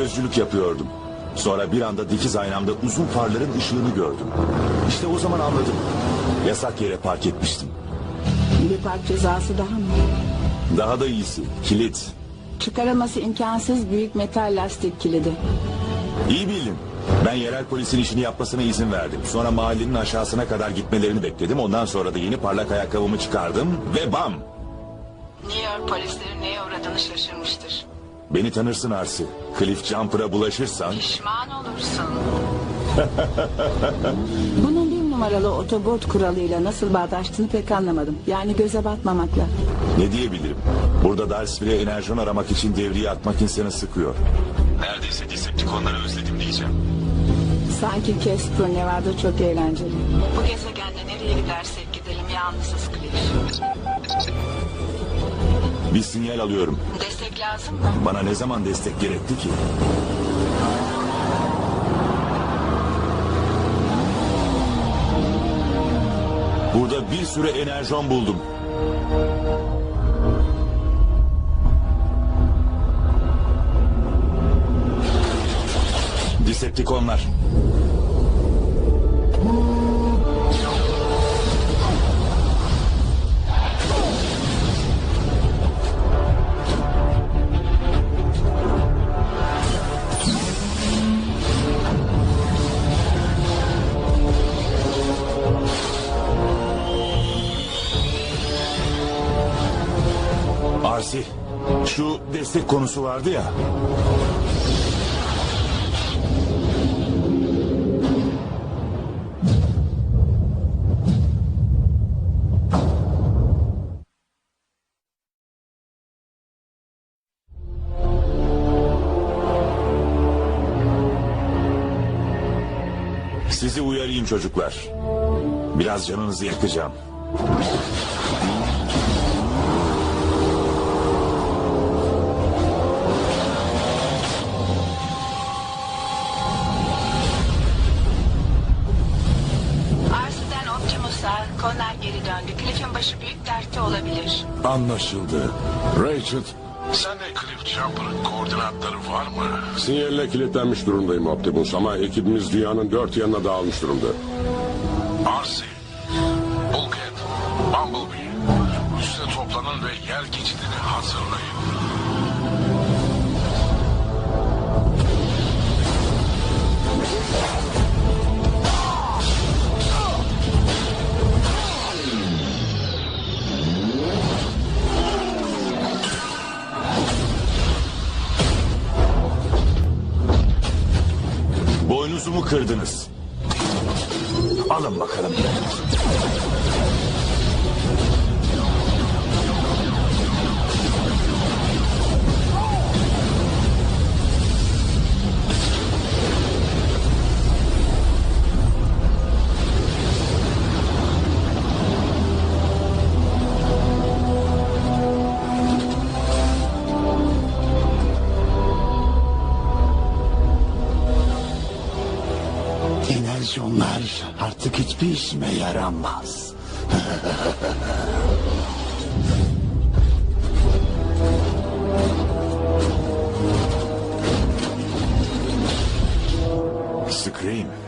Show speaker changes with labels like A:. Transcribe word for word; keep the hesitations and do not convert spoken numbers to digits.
A: gözcülük yapıyordum. Sonra bir anda dikiz aynamda uzun farların ışığını gördüm. İşte o zaman anladım. Yasak yere park etmiştim.
B: Bir park cezası daha mı?
A: Daha da iyisi, kilit.
B: Çıkarılması imkansız büyük metal lastik kilidi.
A: İyi bildin. Ben yerel polisin işini yapmasına izin verdim. Sonra mahallenin aşağısına kadar gitmelerini bekledim. Ondan sonra da yeni parlak ayakkabımı çıkardım ve bam!
B: New York polisleri neye uğradığını şaşırmıştır.
A: Beni tanırsın Arsi. Cliff Jumper'a bulaşırsan...
B: Pişman olursun. Bunun bir numaralı otobot kuralıyla nasıl bağdaştığını pek anlamadım. Yani göze batmamakla.
A: Ne diyebilirim? Burada Darsville'e enerjon aramak için devriye atmak insanı sıkıyor. Neredeyse Decepticonları özledim diyeceğim.
B: Sanki Casper Nevada çok eğlenceli. Bu gezegende nereye gidersek gidelim yalnızız Cliff.
A: Bir sinyal alıyorum.
B: Destek lazım mı?
A: Bana ne zaman destek gerekti ki? Burada bir sürü enerjon buldum. Decepticonlar. Arsi, şu destek konusu vardı ya. Sizi uyarayım çocuklar. Biraz canınızı yakacağım.
B: Arsiden Optimus'a Connor geri döndü. Cliff'in başı büyük dertte olabilir.
C: Anlaşıldı. Rachel,
D: Sende Cliff Jumper'ın koordinatları var mı?
C: sinyalle kilitlenmiş durumdayım Optimus ama ekibimiz dünyanın dört yanına dağılmış durumda.
D: Arsi, Bulkhead, Bumblebee, üste toplanın ve yer geçidini hazırlayın.
A: Boynuzumu kırdınız. Alın bakalım.
E: Enerjonlar artık hiçbir işime yaramaz.
A: Scream.